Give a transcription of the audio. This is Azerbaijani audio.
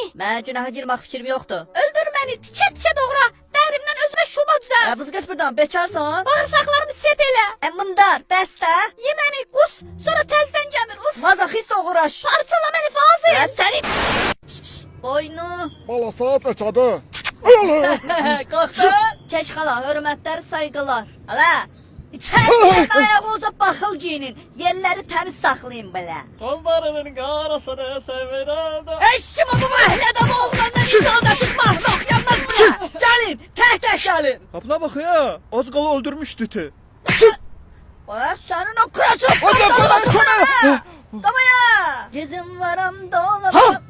Mənə günaha girmək fikrim yoxdur. Öldür məni, tikə doğra. Dərimdən özümə şuba düzəl. Vız get buradan, bekarsan. Bağırsaqlarımı sep elə. Mındar, bəs də. Ye məni, qus, sonra təzdən gəmir. Uf, Mazaxist oğraş. parçala məni Fazil. Mən səni... Boynu. Bala saat neçədir? Qalxın. Keç xala, hörmətlər, sayğılar. Hala. İçəridən ayağınıza baxıl giyinin. Yerləri təmiz saxlayın belə. Gözlerinin karasını severim de. Eşim bu məhəllədə bu oğlandan icazə tutmaq. Yanmaz bura. Gəlin, tək gəlin. Abla bak ya. Az kala öldürmüştü iti. Bax, sənin o krasın. Allah Allah, Damaya. Gezim varam dolabam.